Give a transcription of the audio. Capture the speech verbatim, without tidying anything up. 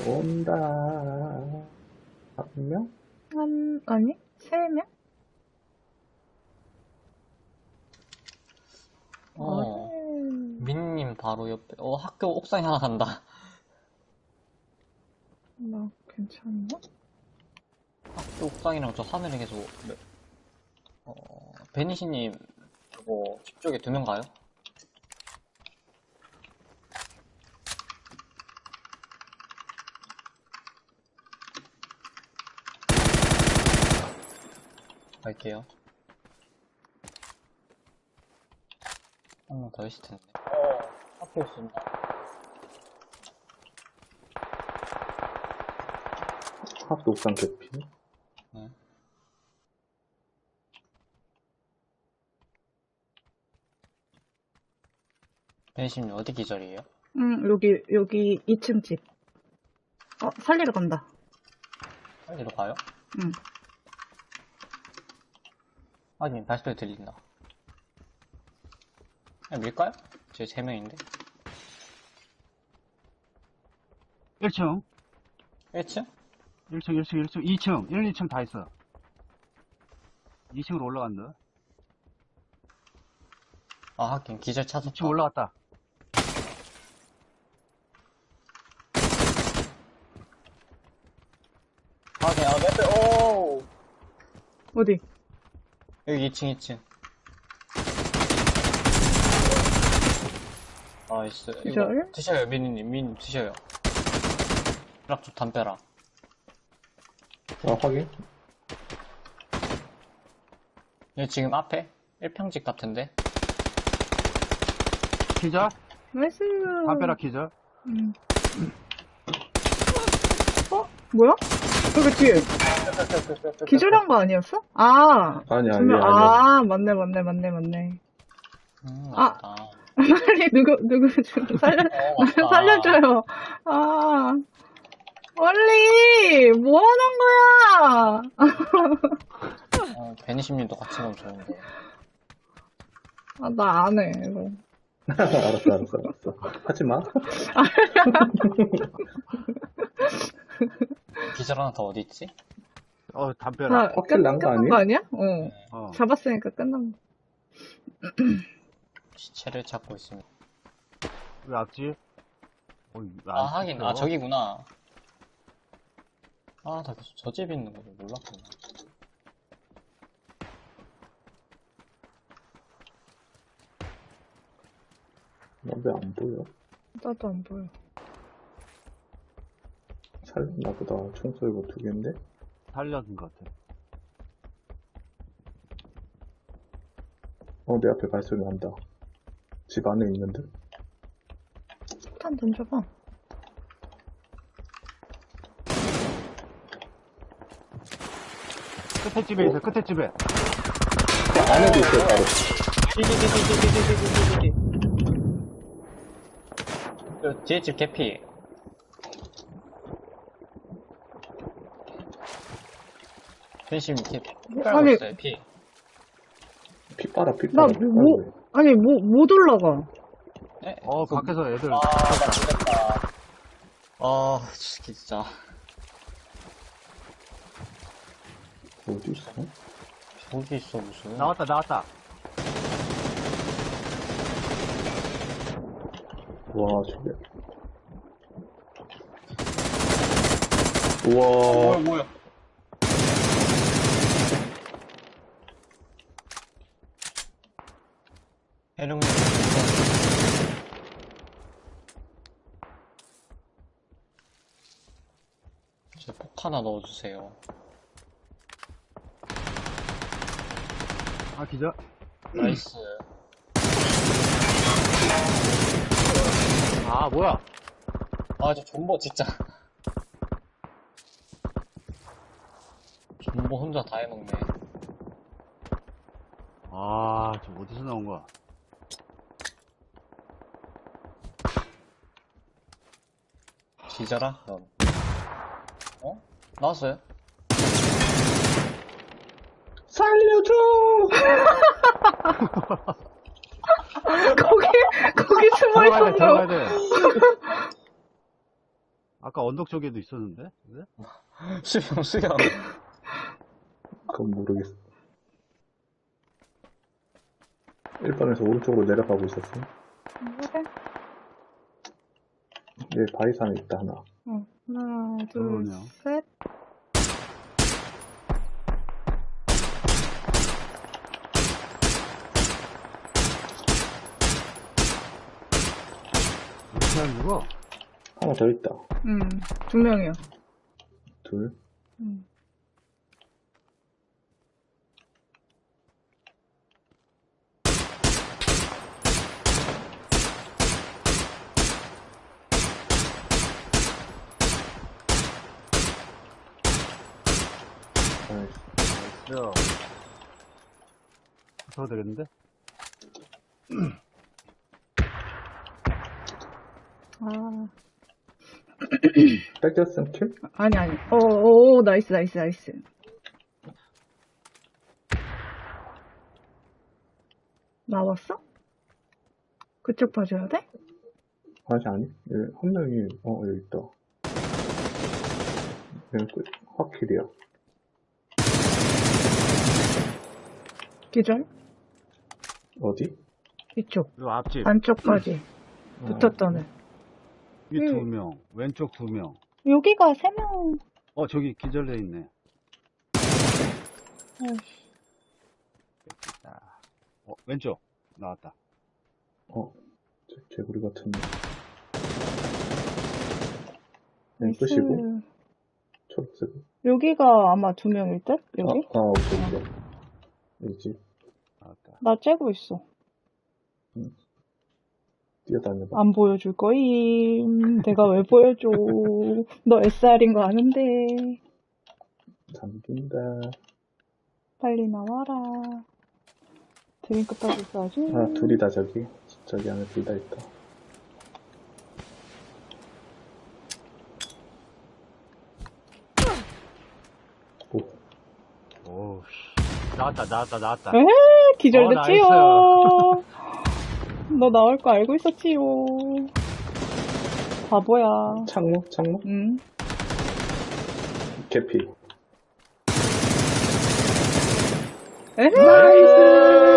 온다. 한 명? 한, 아니, 세 명? 어, 음. 민님 바로 옆에, 어, 학교 옥상에 하나 간다. 나 괜찮나? 학교 옥상이랑 저 하늘에 계속, 어, 베니시님, 그거, 집 쪽에 두 명 가요? 갈게요. 한 명 더 있을 텐데. 어, 학교 있습니다. 학교 옥상 개피. 네. 베니시님 어디 기절이에요? 응, 여기, 여기 이 층 집. 어, 살리러 간다. 어디로 가요? 응. 확인, 발소리 들린다. 그냥 밀까요? 저희 세 명인데. 일 층, 일 층? 일 층, 일 층, 일 층, 이 층, 일, 이 층 다 있어. 이 층으로 올라간다. 아, 하긴, 기절 이 찾았다. 층 올라갔다. 하긴, 아, 몇 오! 어디? 여기 이 층, 이 층. 나이스. 이거 기절? 드셔요, 미니님. 미니님 드셔요. 락 좀 담벼라. 아, 확인. 여기 지금 앞에 일 평집 같은데? 기절? 나이스. 담벼락 기절? 응. 어? 뭐야? 저기 뒤에. 기절한 거 아니었어? 아. 아니, 아니, 분명- 아니. 아, 맞네, 맞네, 맞네, 맞네. 음, 아. 맞다. 빨리 누구, 누구 좀 살려, 어, 맞다. 살려줘요. 아. 원리! 뭐 하는 거야? 어, 베니심님도 같이 가면 좋은데. 아, 나 안 해, 이거. 알았어, 알았어, 알았어. 하지 마. 기절 하나 더 어디 있지? 어, 다 담벼락. 확실히 난거 끝난 아니야? 거 아니야? 어. 어. 잡았으니까 끝난 거. 시체를 찾고 있습니다. 왜 앞지? 어, 왜 아, 안 하긴, 찍혀? 아, 저기구나. 아, 나 계속 저 집에 있는 거를 몰랐구나. 왜 안 보여? 나도 안 보여. 살렸나 보다. 총 쏘이고 두 개인데? 살려준 것 같아. 어, 내 앞에 발소리 난다. 집 안에 있는데? 폭탄 던져봐. 끝에 집에 있어, 끝에 집에. 그 안에도 있어요, 바로. 디디디디디디디디디디. 저 뒤에 집 개피. 변심 개, 피 깔고 아니. 있어요, 피. 피 빨아, 피 나 빨아. 뭐, 아니, 뭐, 못 올라가. 네? 어, 그- 밖에서 애들. 아, 나 죽겠다. 아, 진짜. 어디 있어? 저기 있어, 무슨. 나왔다, 나왔다. 와, 저게. 뭐야, 우와. 뭐야. 해룡님. 저 폭 하나 넣어주세요. 아, 기절? 나이스. 아, 뭐야? 아, 저 존버 진짜. 존버 혼자 다 해먹네. 아, 저 어디서 나온 거야? 기자라? 넌. 어? 나왔어요? 살려줘! 거기, 거기 숨어 들어가야 돼, 들어가야 있었나? 돼. 아까 언덕 쪽에도 있었는데? 네? 수영, 수영. 그건 모르겠어. 일 번에서 오른쪽으로 내려가고 있었어. 그래? 얘 바위산에 있다, 하나. 어, 하나, 둘, 그러네요. 셋. 이렇게 하는 거? 하나 더 있다. 음, 두 명이요. 둘. 음. 나이스. 나이스. 더 되겠는데? 아, 뺏겼음 킬? 아니, 아니. 어, 오, 나이스, 나이스, 나이스. 나왔어? 그쪽 봐줘야 돼? 아니, 아니. 얘, 한 명이, 어, 여기 있다. 얘 끝. 확킬이야. 기절? 어디? 이쪽. 요 앞집. 안쪽까지. 붙었던 애. 위 음. 두 명, 왼쪽 두 명. 여기가 세 명. 어, 저기 기절돼 있네. 아이씨. 어, 왼쪽. 나왔다. 어, 저 개구리 같은 거. 네, 나이스. 끝이고, 초록색. 여기가 아마 두 명일 듯? 여기? 아, 아, 오케이, 오케이. 여기지. 나왔다. 나 째고 있어. 뛰어다녀봐. 안 보여줄 거임. 내가 왜 보여줘. 너 에스알인 거 아는데. 잠긴다. 빨리 나와라. 드링크 따고 있어야지. 아, 둘이다, 저기. 저기 안에 둘 다 있다. 오, 오우, 씨. 나왔다, 나왔다, 나왔다. 에헤, 기절됐지요. 어, 너 나올 거 알고 있었지요. 바보야. 창문? 창문? 응. 개피. 에헤.